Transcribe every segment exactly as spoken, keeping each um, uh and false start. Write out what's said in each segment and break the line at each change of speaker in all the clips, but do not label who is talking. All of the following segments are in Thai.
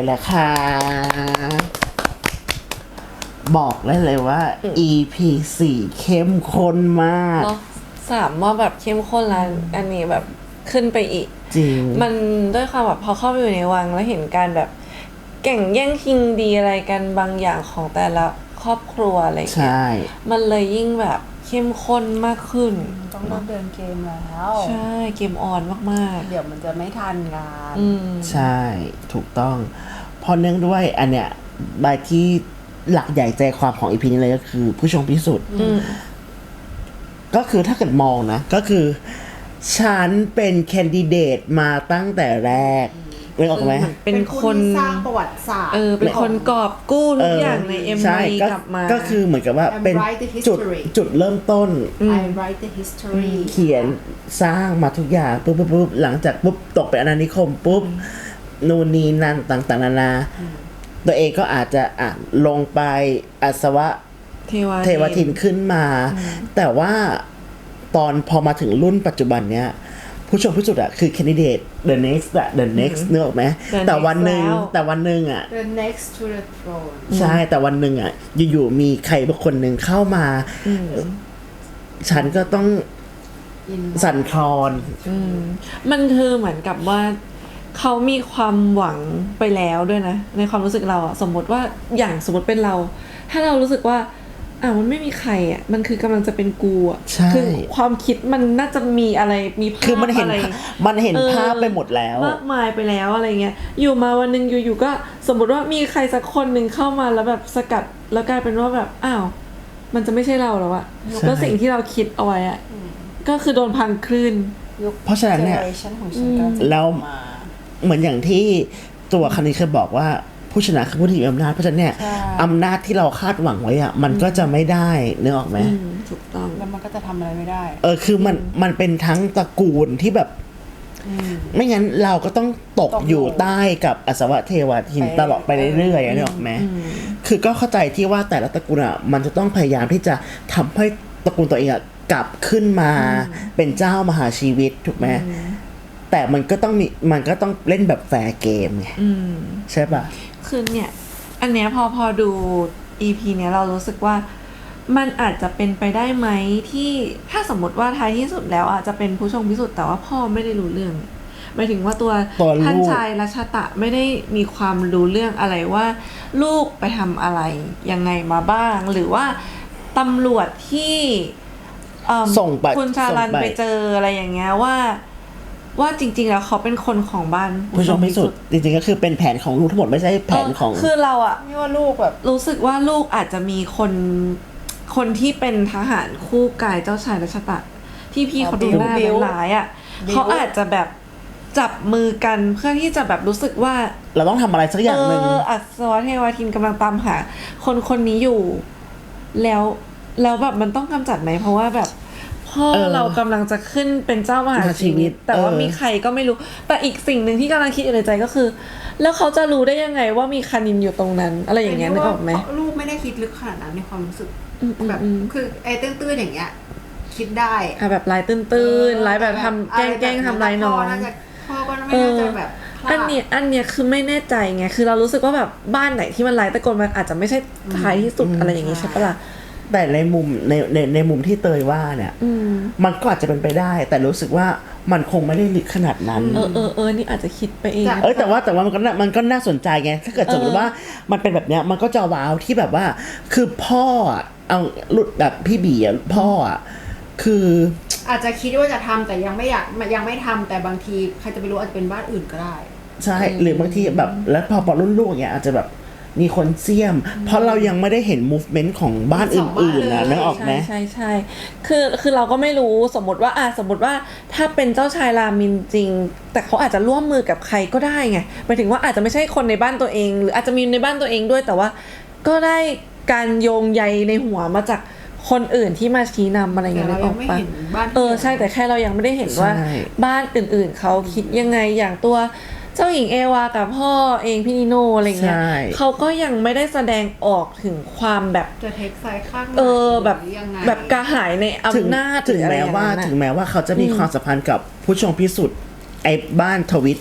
แล้วค่ะบอกได้เลยว่า อี พี สี่เข้มข้นมาก
เนาะสามว่าแบบเข้มข้นแล้วอันนี้แบบขึ้นไปอีก
จริง
มันด้วยความแบบพอเข้าไปอยู่ในวังแล้วเห็นการแบบแข่งแย่งชิงดีอะไรกันบางอย่างของแต่ละครอบครัวอะไรอย่างเงี้ยมันเลยยิ่งแบบเข้มข้นมากขึ้น
ต้องเริ่มเดินเกมแล้ว
ใช่เกมออนมาก
ๆเดี๋ยวมันจะไม่ทันงาน
ใช่ถูกต้องพอเนื่องด้วยอันเนี้ยบายที่หลักใหญ่ใจความของอีพีนี้เลยก็คือผู้ชมพิสุทธิ์ก็คือถ้าเกิดมองนะก็คือฉันเป็นแคนดิเดตมาตั้งแต่แรกไม่ออกไหม
เป็นคน
สร้างประวัติศาสตร์
เออเป็นคนกอบกู้ทุกอย่างใน เอ็ม วี กลับมา
ก็คือเหมือนกับว่าเป็นจุดจุดเริ่มต้น
I write the history
เขียนสร้างมาทุกอย่างปุ๊บปุ๊บปุ๊บหลังจากปุ๊บตกเป็นอาณานิคมปุ๊บนูนนีนั่นต่างๆนานาตัวเองก็อาจจะอ่ะลงไปอาสวะเทวทินขึ้นมาแต่ว่าตอนพอมาถึงรุ่นปัจจุบันเนี้ยผู้ชมผู้สุดอะคือ candidate the next อะ the next นึกออกไหมแต่วันหนึ่งแต่วันหนึ่งอะ
the next to the throne
ใช่แต่วันหนึ่งอะอยู่ๆมีใครบางคนหนึ่งเข้ามาฉันก็ต้องสั่นคลอน
มันคือเหมือนกับว่าเขามีความหวังไปแล้วด้วยนะในความรู้สึกเราอะสมมติว่าอย่างสมมติเป็นเราถ้าเรารู้สึกว่าอ่ะมันไม่มีใครอ่ะมันคือกำลังจะเป็นกูอ่ะคือความคิดมันน่าจะมีอะไรมีภาพ
คือมันเห็นมันเห็นภาพไปหมดแล้ว
มากมายไปแล้วอะไรเงี้ยอยู่มาวันนึงอยู่ๆก็สมมติว่ามีใครสักคนนึงเข้ามาแล้วแบบสกัดแล้วกลายเป็นว่าแบบอ้าวมันจะไม่ใช่เราแล้วอ่ะแล้วสิ่งที่เราคิดเอาไว้อ่ะก็คือโดนพังคลื่น
เพราะฉะนั้นเนี่ยแล้วเหมือนอย่างที่ตัวคันนี้เคยบอกว่าผู้ชนะคือผู้ที่มีอำนาจเพราะฉะนั้นเนี่ยอำนาจที่เราคาดหวังไว้อะมันก็จะไม่ได้นึกออกไหม
ถูกต้อง
แล้วมันก็จะทำอะไรไม่ได้
เออคือมันมันเป็นทั้งตระกูลที่แบบไม่งั้นเราก็ต้องตกอยู่ใต้กับอสวเทวทินตลอดไปเรื่อยๆนึกออกไหมคือก็เข้าใจที่ว่าแต่ละตระกูลอะมันจะต้องพยายามที่จะทำให้ตระกูลตัวเองอะกลับขึ้นมาเป็นเจ้ามหาชีวิตถูกไหมแต่มันก็ต้องมีมันก็ต้องเล่นแบบแฟร์เกมไงใช่ป่ะ
คือเนี่ยอันเนี้ยพอพอดู อี พี เนี้ยเรารู้สึกว่ามันอาจจะเป็นไปได้ไหมที่ถ้าสมมติว่าท้ายที่สุดแล้วอาจจะเป็นผู้ชงพิสุทธิ์แต่ว่าพ่อไม่ได้รู้เรื่องหมายถึงว่าตัวท่านชายรัชตะไม่ได้มีความรู้เรื่องอะไรว่าลูกไปทำอะไรยังไงมาบ้างหรือว่าตำรวจที่
ส่งไป
คุณชาลันไปเจออะไรอย่างเงี้ยว่าว่าจริงๆแล้วเขาเป็นคนของบ้าน
ผู้ชมพิสุทธิ์จริงๆก็คือเป็นแผนของลูกทั้งหมดไม่ใช่แผนของ
คือเราอะ
ไม่ว่าลูกแบบ
รู้สึกว่าลูกอาจจะมีคนคนที่เป็นทหารคู่กายเจ้าชายรัชตะที่พี่เขาดูหน้าหลายอะเขาอาจจะแบบจับมือกันเพื่อที่จะแบบรู้สึกว่า
เราต้องทำอะไรสักอย่างนึง
เอออัศวเทวทินกำลังตามหาคนคนนี้อยู่แล้วแล้วแบบมันต้องกำจัดไหมเพราะว่าแบบพ่อเรากำลังจะขึ้นเป็นเจ้ามหาชีวิตแต่ว่ามีใครก็ไม่รู้แต่อีกสิ่งหนึ่งที่กำลังคิดอยู่ในใจก็คือแล้วเขาจะรู้ได้ยังไงว่ามีคานินอยู่ตรงนั้นอะไรอย่างเงี้ยนึกออกไหม
ลูกไม่ได้คิดลึกขนาดนั้นในความรู้สึกแบบคือไอ้ตื้นๆอย่างเงี้ยคิดได้
อ่ะแบบลายตื้นๆลายแบบทำแกล้งๆทำลายน้อง
พ่อก็ไม่น่าจะแบบ
อันเนี้ยอันเนี้ยคือไม่แน่ใจไงคือเรารู้สึกว่าแบบบ้านไหนที่มันลายตะโกนมันอาจจะไม่ใช่ท้ายที่สุดอะไรอย่างงี้ใช่ปะล่ะ
แต่ในมุมในในในมุมที่เตยว่าเนี่ยมันก็อาจจะเป็นไปได้แต่รู้สึกว่ามันคงไม่ได้ลึกขนาดนั้น
เออเออเออนี่อาจจะคิดไปเอง
เออแต่ว่าแต่ว่ามันก็มันก็น่าสนใจไงถ้าเกิดสมมติว่ามันเป็นแบบเนี้ยมันก็จะว้าวที่แบบว่าคือพ่อเอาหลุดแบบพี่บีอ่ะพ่ออ่ะคือ
อาจจะคิดว่าจะทำแต่ยังไม่อยากยังไม่ทำแต่บางทีใครจะไปรู้อาจจะเป็นบ้านอื่นก็ได้
ใช่หรือบางทีแบบแล้วพอพอรุ่นลูกอย่างเงี้ยอาจจะแบบมีคนเสี่ยมเพราะเรายังไม่ได้เห็น movement ของบ้านอื่นๆนะนึกออกไหม
ใช่ใช่คือคือเราก็ไม่รู้สมมติว่าอ่ะสมมติว่าถ้าเป็นเจ้าชายรามินจริงแต่เขาอาจจะร่วมมือกับใครก็ได้ไงหมายถึงว่าอาจจะไม่ใช่คนในบ้านตัวเองหรืออาจจะมีในบ้านตัวเองด้วยแต่ว่าก็ได้การโยงใยในหัวมาจากคนอื่นที่มาชี้นำอะไรอย่างเงี้ยนึกออกปะเออใช่แต่แค่เรายังไม่ได้เห็นว่าบ้านอื่นๆเขาคิดยังไงอย่างตัวเจ้าหญิงเอวากับพ่อเองพี่นิโนอะไรเงี้ยเขาก็ยังไม่ได้แสดงออกถึงความแบบ
จะเทคไซด์ข้าง
เออแบบแบบกระหายในอำนาจ
ถึงแม้ว่าถึงแม้ว่าเขาจะมีความสัมพันธ์กับผู้ชงพิสุทธิ์ไอ้บ้านทวิต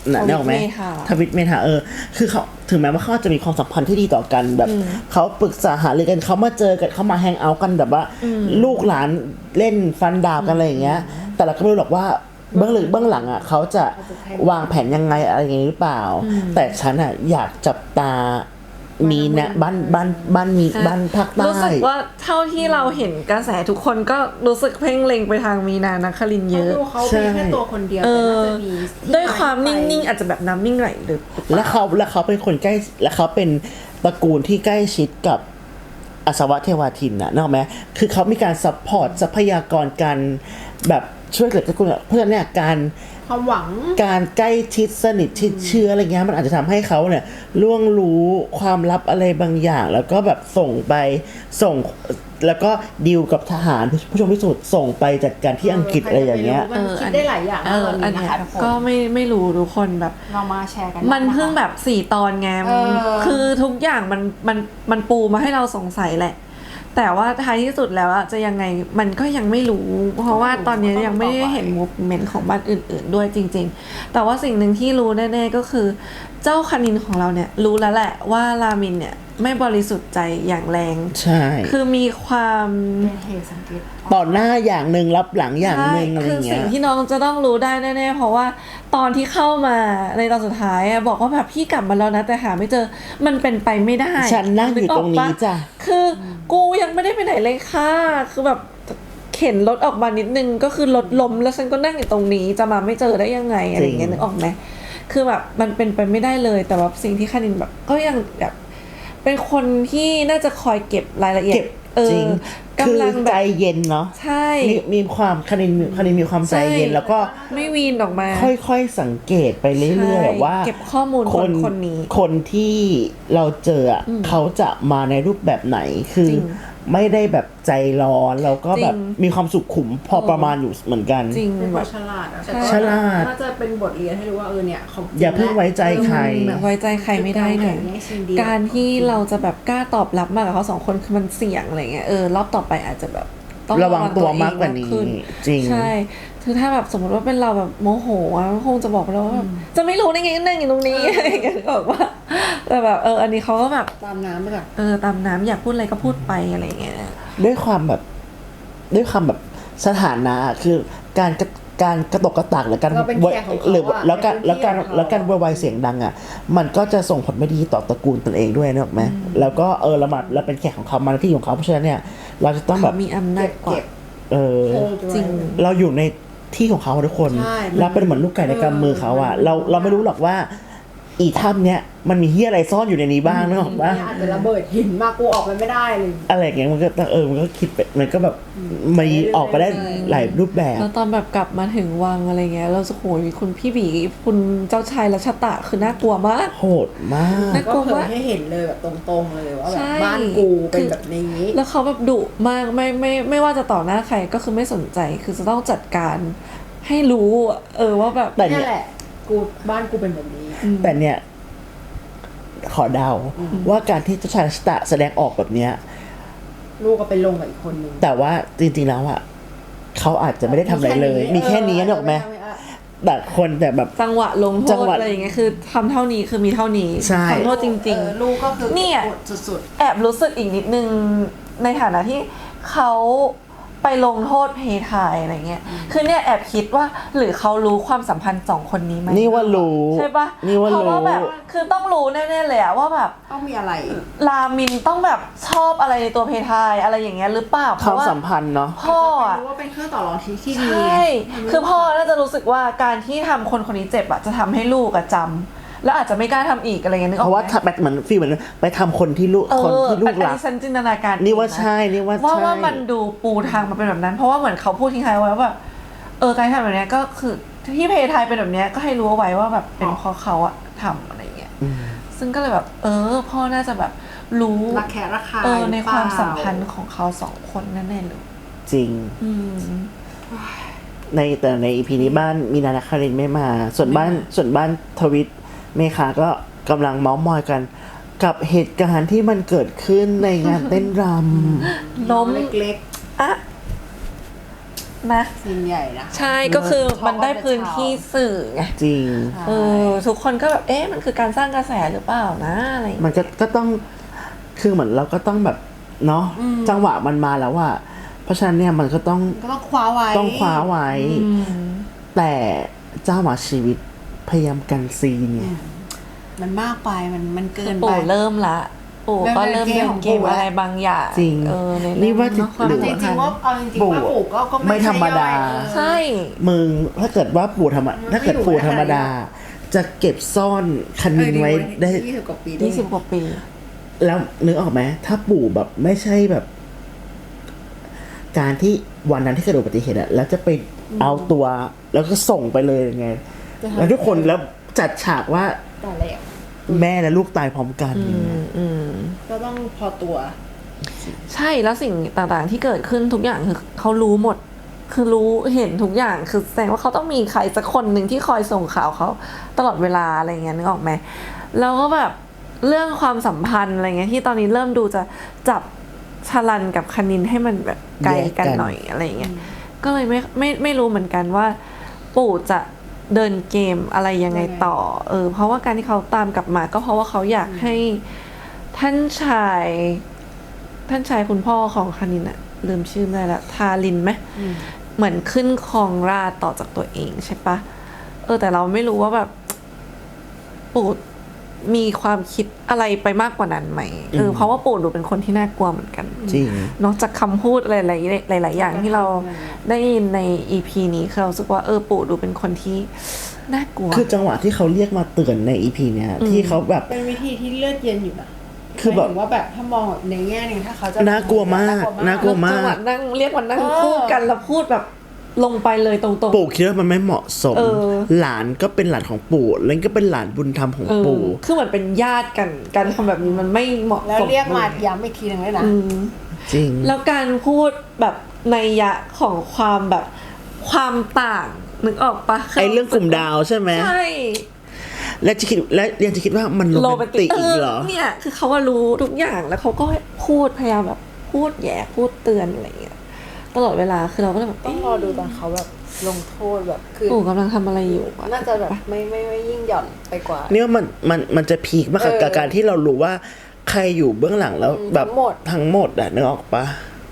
น่ะนึกออกไหม
ทวิตเมธา
ทวิตเมธาเออคือเขาถึงแม้ว่าเขาจะมีความสัมพันธ์ที่ดีต่อกันแบบเขาปรึกษาหารือกันเขามาเจอกันเขามาแฮงเอาท์กันแบบว่าลูกหลานเล่นฟันดาบกันอะไรอย่างเงี้ย แต่เราก็ไม่รู้หรอกว่าเบื้องลึกเบื้องหลังอ่ะเขาจะวางแผนยังไงอะไรอย่างงี้หรือเปล่า แต่ฉันอ่ะอยากจับตามีนะบ้านบ้านบ้านมีบ้านภาคใต้
รู้สึกว่าเท่าที่เราเห็นกระแสทุกคนก็รู้สึกเพ่งเล็งไปทางมีนานะครินทร์เยอะ
ดูเขาเป็นแค่ตัวคนเดียว
เอ
แต่น่า
อ
จะมีที่
ด้วยความ
ไป
นิ่งๆอาจจะแบบน้ำนิ่งไหลหรือ
และเขาและเขาเป็นคนใกล้และเขาเป็นตระกูลที่ใกล้ชิดกับอาสวะเทวาทินน่ะนึกออกไหมคือเขามีการซัพพอร์ตทรัพยากรการแบบช่วยเหลือตระกูลเพราะฉะนั้นเนี่ยการ
ความหวัง
การใกล้ชิดสนิทชิดเชื้ออะไรเงี้ยมันอาจจะทำให้เขาเนี่ยล่วงรู้ความลับอะไรบางอย่าง แล้วก็แบบส่งไปส่งแล้วก็ดีลกับทหารผู้ชมพิสูจน์ส่งไปจัดการที่อังกฤษอะไรอย่างเงี้ย
มันคิดได้หลายอย่าง
เออ
ตอน
อั
นี้
น
นะ
เนี้ย
คะทุกคน
ก็ไม่ไม่รู้ทุกคนแบบ
เรามาแชร์กัน
มันเพิ่งแบบสี่ตอนไง
เออ
คือทุกอย่างมันมันมันปูมาให้เราสงสัยแหละ แต่ว่าท้ายที่สุดแล้วอะจะยังไงมันก็ยังไม่รู้ เพราะว่าตอนนี้ยังไม่ได้เห็นมูฟเมนต์ของบ้านอื่นๆด้วยจริงๆ แต่ว่าสิ่งหนึ่งที่รู้แน่ๆก็คือ เจ้าคณินของเราเนี่ยรู้แล้วแหละว่ารามินเนี่ยไม่บริสุทธิ์ใจอย่างแรง
ใช่
คือมีความ
เป็นเหตุสังเกต
ต่อหน้าอย่างหนึ่งรับหลังอย่างหนึ่งอะไร
คือ
เงี้
สิ่
ย
งที่น้องจะต้องรู้ได้แน่ๆเพราะว่าตอนที่เข้ามาในตอนสุดท้ายอะบอกว่าแบบพี่กลับมาแล้วนะแต่หาไม่เจอมันเป็นไปไม่ได้
ฉันนั่งอยู่ตรงนี้จ้ะ
คือกูยังไม่ได้ไปไหนเลยค่ะคือแบบเข็นรถออกมานิดนึงก็คือรถล้มแล้วฉันก็นั่งอยู่ตรงนี้จะมาไม่เจอได้ยังไงอะไรอย่างเงี้ยนึกออกไหมคือแบบมันเป็นไปไม่ได้เลยแต่ว่าสิ่งที่คณินแบบก็ยังแบบเป็นคนที่น่าจะคอยเก็บรายละเอียด
เก็บ
เอ
จริ
อง
คือก
ำลังแบ
ใจ
บ
เย็นเนาะ
ใช่
มีมีความคณินคณินมีความใจเย็น
ใช่
แล้วก็
ไม่วีนออกมา
ค่อยๆสังเกตไปเรื่อย
ใช่
ๆว่า
เก็บข้อมูลคนคนนี้
คนที่เราเจออะเขาจะมาในรูปแบบไหนคือ
จริง
ไม่ได้แบบใจร้อนแล้วก็แบบ
จริง
มีความสุขุมพอประมาณอยู่เหมือนกัน
จริง
เป็นค
แบ
น
บ
ฉลาดอะ
ใช่
แต่ก็
ฉลาด
น่าจะเป็นบทเรียนให้รู้ว่าเออเนี่ยเขา
อย่าเพิ่งไว้ใจใคร
แบบไว้ใจใครไม่ได้หน่อย
แข่งแย่งชิงดี
การที่เราจะแบบกล้าตอบรับมากกับเขาสองคนคือมันเสี่ยงอะไรเงี้ยเออรอบต่อไปอาจจะแบบต้อง
ระวังตัวมากกว่านี้
ขึ้
จริง
ใช่คือถ้าแบบสมมติว่าเป็นเราแบบโมโหอะคงจะบอกไปแล้วว่าแบบจะไม่รู้ได้ไงก็นั่งอยู่ตรงนี้อะไรอย่างเงี้ยบอกว่าแต่แบบเอออันนี้เขาก็แบบ
ตามน้ำไปก่อน
เออตามน้ำอยากพูดอะไรก็พูดไปอะไรเงี้ย
ด้วยความแบบด้วยความแบบสถานะอะคือการกระการกระตกกระตากหรือการ
เราเป็นแขกของเขา
หรือ
อะ
แล้วการ
เป็น
แล้วการ
ที่ของเขา
แล้วการววายเสียงดังอ่ะมันก็จะส่งผลไม่ดีต่อตระกูลตนเองด้วยนึกออกไหมแล้วก็เออละหมาดเราเป็นแขกของเขามาหน้าที่ของเขาเพราะฉะนั้นเนี่ยเราจะต้องแบ
เขา
บ
มีอำนาจกว่า
เก็บ
เออ
เออ
จริง
เราอยู่ในที่ของเขาทุกคน
ใช่
เราเป็นเหมือนลูกไก่ในกำมือเขาอ่ะ
เออ
เราเราไม่รู้หรอกว่า อีถ้ำเนี้ยมันมีเฮียอะไรซ่อนอยู่ในนี้บ้างนึกออกปะ
เนี่ยอาจจะระเบิดหินมากูออกไปไม่ได้เลย
อะไรอย่างเงี้ยมันก็เออมันก็คิดไปมันก็แบบมันออกไปได้หลายรูปแบบ
แล้วตอนแบบกลับมาถึงวังอะไรเงี้ยเราจะโหยคุณพี่บีคุณเจ้าชายรัชตะคือน่ากลัวมาก
โหดมาก
น่า
ก็เผยให้เห็นเลยแบบตรงๆเลยว่าแบ
ใช่
บบ้านกูเป็นแบบนี้
แล้วเขาแบบดุมากไม่ไม่ไม่ว่าจะต่อหน้าใครก็คือไม่สนใจคือจะต้องจัดการให้รู้อะเออว่าแบบ
แต่
นี่แหละกูบ้านกูเป็นแบบนี้
แต่เนี่ย ขอเดาว่าการที่เจ้าชายรัชตะแสดงออกแบบเนี้ย
ลูกก็ไปลงกับอีกคนนึง
แต่ว่าจริงๆแล้วอ่ะเขาอาจจะไม่ได้ทำอะไรเลย มีแค่นี้นึกออกไหมแต่คนแต่แบบ
จังหวะลงโท
จัง
ษ
หวะ
อะไรอย่างเงี้ยคือทำเท่านี้คือมีเท่านี้
ใช่
ขอโทษจริง
เออลูกก็คือ
เนี่ย
กดสุด
ๆ แอบรู้สึกอีกนิดนึงในฐานะที่เขาไปลงโทษเพทายอะไรเงี้ยคือเนี่ยแอบคิดว่าหรือเขารู้ความสัมพันธ์สองคนนี้ไหม
นี่ว่ารู้
ใช่ปะ
นี่ว่า
เพราะ
รู้
ว่าแบบคือต้องรู้แน่ๆเลยอะว่าแบบ
ๆต้องมีอะไร
รามินต้องแบบชอบอะไรในตัวเพทายอะไรอย่างเงี้ยหรือเปล่าเพ
ความ
ราะว่า
สัมพันธ์เนาะ
พ่อ
อาจ
อะ
จะเป็นรู้ว่าเป็นเครื่องต่อรองที่ที่
ใช
ดี
่ คือพ่อน่าจะรู้สึกว่าการที่ทำคนคนนี้เจ็บอะจะทำให้ลูกอะจำแล้วอาจจะไม่กล้าทำอีกอะไรเงี้ยนึกอ
เพ
อก
ราะ
ไห
ว่าถ้าม แบบเหมือนฟีลเหมือนไปทำคนที่ลูก
เออ
คนที่ลูก
อัน
รัก
นี้ฉันจินตนาการ
นี่ว่า
เองะ
ใช่นี่ว่า
ว่า
ใช่
ว่ามันดูปูทางมาเป็นแบบนั้น เพราะว่าเหมือนเขาพูดทิ้งท้ายไว้ว่าแบบเออการทำแบบเนี้ยก็คือที่เพทายเป็นแบบเนี้ยก็ให้รู้เอาไว้ว่าแบบเป็นเพราะเขาอะทำอะไรเงี้ยซึ่งก็เลยแบบ เออ พ่อน่าจะแบบรู้
รักแค่ราคา
เออในความสัมพันธ์ของเขาสองคนแน่ๆเลย
จริง
อืม
ในแต่ในอีพีนี้บ้านมีนานาคารินไม่มา ส่วนบ้านส่วนบ้านทวิตเมคาก็กำลังเมาส์มอยกัน กับเหตุการณ์ที่มันเกิดขึ้นในงานเต้นรำ
ล้ม
เล็ก
อะนะ
ซีนใหญ่นะ
ใช่ก็คือมันได้พื้นที่สื่อไง
จริง
เออทุกคนก็แบบเอ๊ะมันคือการสร้างกระแสหรือเปล่านะอะไรอย่าง
มั
เงี้ย
นก็ก็ต้องคือเหมือนเราก็ต้องแบบเนาะจังหวะมันมาแล้วว่าเพราะฉะนั้นเนี่ยมันก็ต้อง
ก็ต้องคว้าไว้
ต้องคว้าไว้ แต่เจ้าหมาชีวิตพยายามกันซีนเนี่ย
มันมากไปมันมันเกินไป
ปู่เริ่มละปู่ก็เริ่มเล่นเกมอะไรบางอย่าง
จริง
เออใน
นี่ว่า
เรื่องเนอะความ
หรือ
จ
สัม
ริ
พั
ง
นธ์
ๆว่าเอาจริงๆว่า
ปู่
ปู่ก็ก็
ไม่ธรรมดา
ใช่ย่อย
ใช่
มึงถ้าเกิดว่าปู่ธรรมดาถ้าเกิดปู่ธรรมดา จะเก็บซ่อนคณินไว้ได้
ยี่สิบกว่าปี
ยี่สิบกว่าปี
แล้วนึกออกไหมถ้าปู่แบบไม่ใช่แบบ การที่วันนั้นที่เกิดอุบัติเหตุอะแล้วจะไปเอาตัว แล้วก็ส่งไปเลยยังไง แล้วทุกคนแล้วจัดฉากว่า
ตอนแรก
แม่และลูกตายพร้อมกัน
อืมอืม
ก็ต้องพอตัว
ใช่แล้วสิ่งต่างๆที่เกิดขึ้นทุกอย่างคือเขารู้หมด คือรู้เห็นทุกอย่างคือแสดงว่าเขาต้องมีใครสักคนหนึ่งที่คอยส่งข่าวเขาตลอดเวลาอะไรเงี้ยนึกออกไหมแล้วก็แบบเรื่องความสัมพันธ์อะไรเงี้ยที่ตอนนี้เริ่มดูจะจับชลันกับคณินให้มันแบบไกลกันหน่อยอะไรเงี้ยก็เลยไม่ไม่ไม่รู้เหมือนกันว่า ปู่จะเดินเกมอะไรยังไงต่อเออเพราะว่าการที่เขาตามกลับมาก็เพราะว่าเขาอยากให้ท่านชายท่านชายคุณพ่อของคณินอะลืมชื่อไม่ได้ละทารินไหมเหมือนขึ้นครองราชย์ต่อจากตัวเองใช่ปะเออแต่เราไม่รู้ว่าแบบปู่มีความคิดอะไรไปมากกว่านั้นไหมเออเพราะว่าปู่ดูเป็นคนที่น่ากลัวเหมือนกัน
จริง
นอกจากคำพูดอะไรหลายๆหลายๆอย่างที่เราได้ยินใน อี พี นี้คือเรารู้สึกว่าเออปู่ดูเป็นคนที่น่ากลัว
คือจังหวะที่เขาเรียกมาเตือนในอีพีเนี่ยที่เขาแบบ
เป็นวิธีที่เลือดเย็นอยู่นะ
คือแบบ
หมายถึงว่าแบบถ้ามองแบบในแง่หนึงถ้าเขาจะ
น่ากลัวมากน่ากลัวมาก
จังหวะนั่งเรียกวันนั่ง
เออ
พูดกันแล้วพูดแบบลงไปเลยตรงๆ
ปู่คิดว่ามันไม่เหมาะสม
เออ
หลานก็เป็นหลานของปู่แล้วก็เป็นหลานบุญธรรมของ
เออ
ปู่
คือเหมือนเป็นญาติกันการทำแบบนี้มันไม่เหมาะสม
แล้วเรียกมาย้ำอีกทีหนึ่งเลยนะ
อืม
จริง
แล้วการพูดแบบนัยยะของความแบบความต่างนึกออกปะ
ไอเรื่องกลุ่มดาวใช่ไหม
ใช่
และจะคิดและยังจะคิดว่ามันโรแมนติกอีกเหรอ
เนี่ยคือเขาว่ารู้ทุกอย่างแล้วเขาก็พูดพยายามแบบพูดแย่พูดเตือนอะไรอย่างเงี้ยตลอดเวลาคือเราก็เลยแบบ
ต้องรอดูตอนเขาแบบลงโทษแบบคือ
ปู่กำลังทำอะไรอยู่วะ
น่าจะแบบไม่ไม่ไม่ยิ่งหย่อนไปกว่า
เนี่ยมันมันมันจะพีคมากกับ
เออ
การที่เรารู้ว่าใครอยู่เบื้องหลังแล้วแบบ
ทั้งหมด
ทั้งหมดอะนึกออกปะ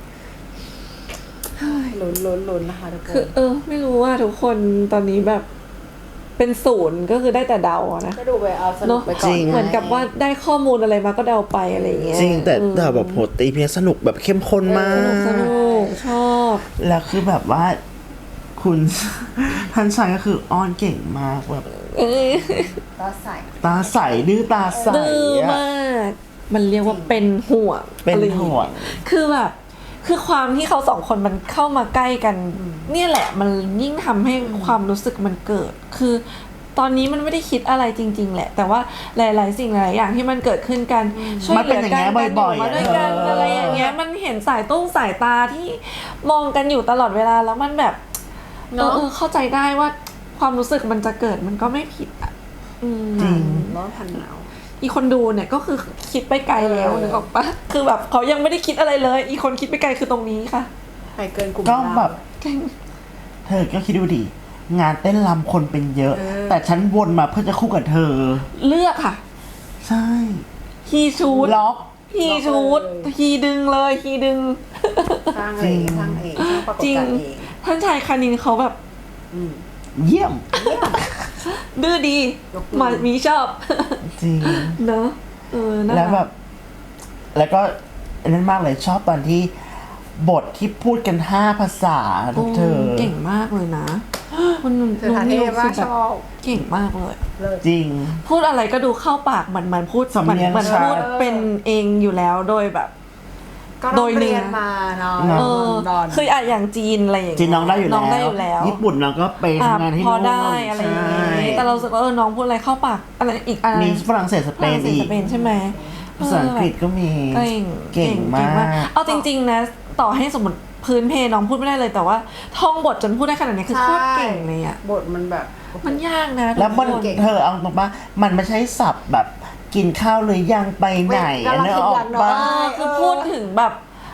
ลุ้นลุ้นลุ้นนะคะทุกค
คือน เออ ไม่รู้ว่าทุกคนตอนนี้แบบเป็นศูนย์ก็คือได้แต่เดาอะนะ
ก็ดูไปเอาสนุ
เนาะ
กไปก่อน
เหมือนกับว่าได้ข้อมูลอะไรมาก็เดาไปอะไรอย่างเงี้ย
จริงแต่
เออ
แต่แบบโหตีเพียสนุกแบบเข้มข้นมา
สนุก
ก
สนุกชอบ
แล้วคือแบบว่าคุณ ท่านชายก็คืออ้อนเก่งมากแบบ
เอ้ย
ตาใส่
ตาใสดื้อตาใส
ดื้อ
อะ
มาก มันเรียกว่าเป็นห่วง
เป็น
อะไรอย่าง
ห่
งี้
วง
คือแบบคือความที่เขาสองคนมันเข้ามาใกล้กัน เนี่ยแหละมันยิ่งทำให้ความรู้สึกมันเกิด คือตอนนี้มันไม่ได้คิดอะไรจริง ๆ แหละ แต่ว่าหลาย ๆ สิ่งหลายอย่างที่มันเกิดขึ้นกันช่วยเหลือกัน
มันเป็นอย่างเงี้ยบ่อยๆ
มาด้วยกัน
เอออ
อะไรอย่างเงี้ยมันเห็นสายตุ้งสายตาที่มองกันอยู่ตลอดเวลาแล้วมันแบบเออเออเข้าใจได้ว่าความรู้สึกมันจะเกิดมันก็ไม่ผิดอ่ะอืม
จริง
ร้อนพันหนาว
อีคนดูเนี่ยก็คือคิดไปไกลแล้ว
เออ
นึกออกปะคือแบบเขายังไม่ได้คิดอะไรเลย อีคนคิดไปไกลคือตรงนี้ค่ะ
ใครเกินกลุ่ม
ก็
เรา
แบบเธอก็คิดดูดิงานเต้นรำคนเป็นเยอะ
เออ
แต่ฉันวนมาเพื่อจะคู่กับเธอ
เลือกค่ะ
ใช่
ฮีชูด
ล็อก
ฮีชูดฮีดึงเลยฮีดึง
สร้างเองสร้างเองสร้างปรากฏ
จริง
การณ์เอง
ท่านชายคานินเขาแบบ
อืม
เยี่ยม
ดื้อดี
ยกมือ
มามีชอบ
จริง
เนอะเออน่า
แล้วแบ
รับ ก
แล้วก็อันนั้นมากเลยชอบตอนที่บทที่พูดกันห้าภาษาทุกเธอ
เก่งมากเลยนะคุณ
เธอทานเทพมากชอบ
เก่งมากเลย
เลิศ
จริง
พูดอะไรก็ดูเข้าปากเหมือนมันพูด
สำ
เหมือน
เนียง
เหมือน
ชัด
พูดเป็นเองอยู่แล้วโดยแบบ
ก็
โด
โด
ย
ย
เนื้
เรี
อ
ยนมาเนาะ
เนอะ
เออ
ดอน
คืออะอย่างจีนอะไรอย่าง
จี
เงี้ย
นน้องได้อยู่แล้ว
น้องได้อยู่แล้ว
ญี่ปุ่นน้องก็ไป
อ่ะ
ทำงานที่
พอ
นู่น
ได้อะไรอย่าง
ใช่
เงี้ยแต่เรารู้สึกว่าเออน้องพูดอะไรเข้าปากอะไรอีกอะไร
มีฝรั่งเศสส
ฝ
เป
รั่
น
งเศส
อีก
สเปนใช่ไหม
ภาษาอังกฤษก็มี
เก่ง
เก่งมาก
เอาจริง ๆ นะ ต่อให้สมมติพื้นเพน้องพูดไม่ได้เลยแต่ว่าท่องบทจนพูดได้ขนาดนี้คือโคตรเก่งเลยอ่ะ
บทมันแบบ
มันยากนะ
แล้วมัน
ทุกคน
เธอเอาตรงปะมันไม่ใช่ศัพท์แบบกินข้าวหรือยังไปไหน
กำลัง
เนอะ
คิด
ออ
หลั
ก
งเนอะ
ปะ
เออคือพูดถึงแบบ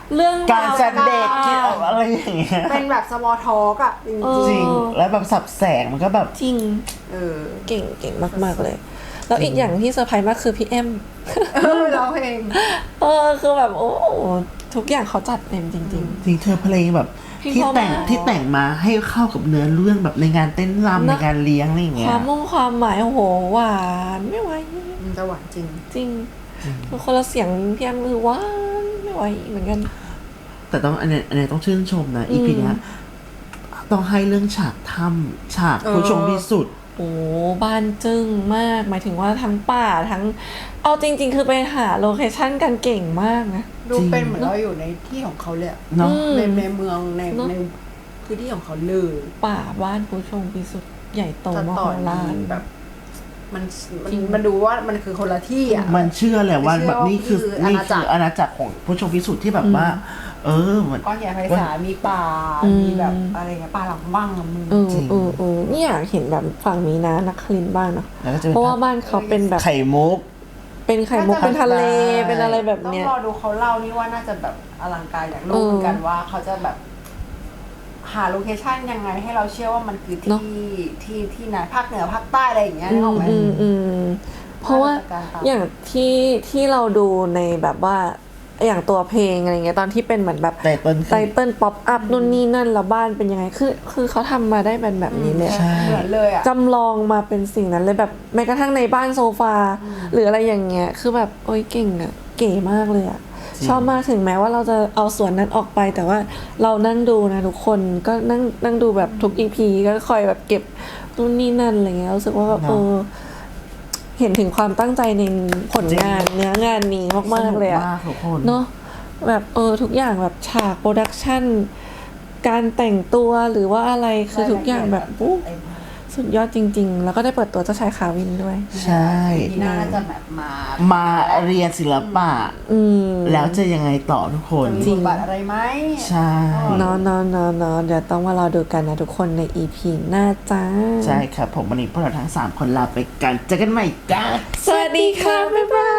เรื่อง
การแสดง
ราว
เกี่ยวอะไรอย่างเงี้ย
เป็นแบบสมอลทอกอะจริง
เออ
จริงแล้วแบบสับแสงมันก็แบบ
จริง
ๆเออ
เก่งเก่งมาก ๆ เลย แล้วอีกอย่างที่เซอร์ไพรส์มากคือพี่แอม
เออร้องเพลง
เออคือแบบโอ้ทุกอย่างเขาจัดเต็มจริง
จริงเธอเพลงแบบ
เพลง
ที่
เพราะ
แต่ง
มาก
ที่แต่งมาให้เข้ากับเนื้อเรื่องแบบในงานเต้นรำ
เน
ใน
อะ
งานเลี้ยงอะไรอย่าง
ๆ
เงี้
ควาย มมุ่งความหมายโอ้โหหวานไม่ไหว
มันจะหวานจริง
จริงคือคนละเสียงพี่แอมคือหวานไม่ไหวเหมือนกัน
แต่ต้องอันเนี้ยอันเนี้ยต้องชื่นชมนะอีพีเนี้ยต้องให้เรื่องฉากถ้ำฉากผู้ชมพิสุทธิ์
โอ้บ้านจึ้งมาก หมายถึงว่าทั้งป่าทั้ง เอาจริง ๆ คือไปหาโลเคชั่นกันเก่งมากนะ
ดู
จริง
เป็นเหมือนเราอยู่ในที่ของเขาเลยอะ
เนาะ
อืม
ในในเมืองใน
เนอะ
ในพื้นที่ของเขาเลย
ป่าบ้านผู้ชมพิสุทธิ์ใหญ่โต
ตัด
ม
ต่อ
โหฬาร
แบบ มันมัน
จริง
มันดูว่ามันคือคนละที่อ่ะ
มันเชื่อแหละว่า
เชื่อ
แบบนี่คือ
ว่านี่
นี่
คืออาณาจั
คื
กร
ออาณาจักรของผู้ชมพิสุทธิ์ที่แบบว่า เออมัน
ก้อนใหญ่ไพศาลมีป่า
อืม
มีแบบอะไรเงี้ยป่าหลังบ้างอะมึง
เออ
จริง
เออเออนี่อยากเห็นแบบฝั่งนี้นะนักคลินทร์บ้างเนาะ
แล้วก็จะเป็น
เพราะว่าบ้านเขาเป็นแบบ
ไข่มุก
เป็นไข่มุก
น่าจะ
เป็นทะเล
ได้
เป็นอะไรแบบ
ต้อง
เนี้ย
รอดูเขาเล่านี่ว่าน่าจะแบบอลังการอยากรู้
เออ
เหมือนกันว่าเขาจะแบบ หาโลเคชั่นยังไงให้เราเชื่อว่ามันคือ
เนอะ
ที่ที่ที่ไหนภาคเหนือภาคใต้อะไรอย่างเงี้ยนึกออกไหม
อืมอืมเพราะว่า
มาตรการตาม
อย่างที่ที่เราดูในแบบว่าอย่างตัวเพลงอะไรเงี้ยตอนที่เป็นเหมือนแบบ
ไตเติ้ล
ไตเติ้ลป๊อปอัพนู่นนี่นั่นแล้วบ้านเป็นยังไงคือคือเขาทำมาได้เป็นแบบนี้เลย
ใช่
เหมือนเลยอ่ะ
จำลองมาเป็นสิ่งนั้นเลยแบบแม้กระทั่งในบ้านโซฟา หรืออะไรอย่างเงี้ยคือแบบโอ้ยเก่งอะเก๋มากเลยอะชอบมากถึงแม้ว่าเราจะเอาส่วนนั้นออกไป แต่ว่าเรานั่งดูนะทุกคนก็นั่งนั่งดูแบบทุกอีพีก็คอยแบบเก็บนู่นนี่นั่นอะไรเงี้ยรู้สึกว่าแบบ
เนอะ
เออเห็นถึงความตั้งใจในผลงานเนื้องานนี้มากๆเลยอะ
สนุกมากทุกคน
เนาะแบบเออทุกอย่างแบบฉากโปรดักชันการแต่งตัวหรือว่าอะไรคือทุกอย่างแบบอู้สุดยอดจริง ๆ แล้วก็ได้เปิดตัวเจ้าชายคาวินด้วย
ใช่
ทีหน้าน่าจะแบบมา
มาเรียนศิลปะ
อืม
แล้วจะยังไงต่อทุกคน
จะมีบทบาทอะไรไหม
ใช่
เนอนนอนนอนนอนเดี๋ยวต้องมารอดูกันนะทุกคนใน อี พี หน้าจ้า
ใช่ครับผมวันนี้พวกเราทั้งสามคนลาไปกันเจอกันใหม่จ้า
สวัสดีค่ะ บ๊ายบาย